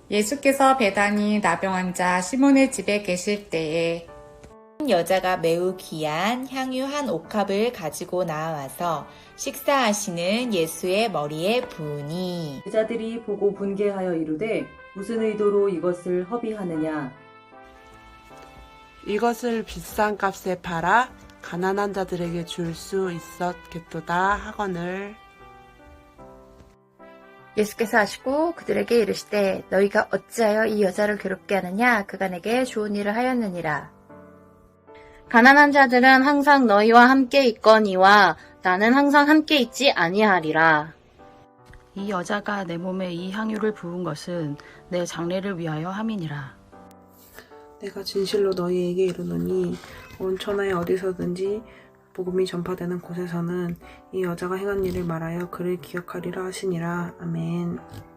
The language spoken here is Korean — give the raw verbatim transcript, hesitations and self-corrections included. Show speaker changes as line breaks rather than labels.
예수께서 배단이 나병 환자 시몬의 집에 계실 때에
한 여자가 매우 귀한 향유 한 옥합을 가지고 나와서 식사하시는 예수의 머리에 부으니
제자들이 보고 분개하여 이르되 무슨 의도로 이것을 허비하느냐.
이것을 비싼 값에 팔아 가난한 자들에게 줄 수 있었겠도다 하거늘.
예수께서 하시고 그들에게 이르시되 너희가 어찌하여 이 여자를 괴롭게 하느냐. 그가 내게 좋은 일을 하였느니라.
가난한 자들은 항상 너희와 함께 있거니와 나는 항상 함께 있지 아니하리라.
이 여자가 내 몸에 이 향유를 부은 것은 내 장례를 위하여 함이니라.
내가 진실로 너희에게 이르노니 온 천하에 어디서든지 복음이 전파되는 곳에서는 이 여자가 행한 일을 말하여 그를 기억하리라 하시니라. 아멘.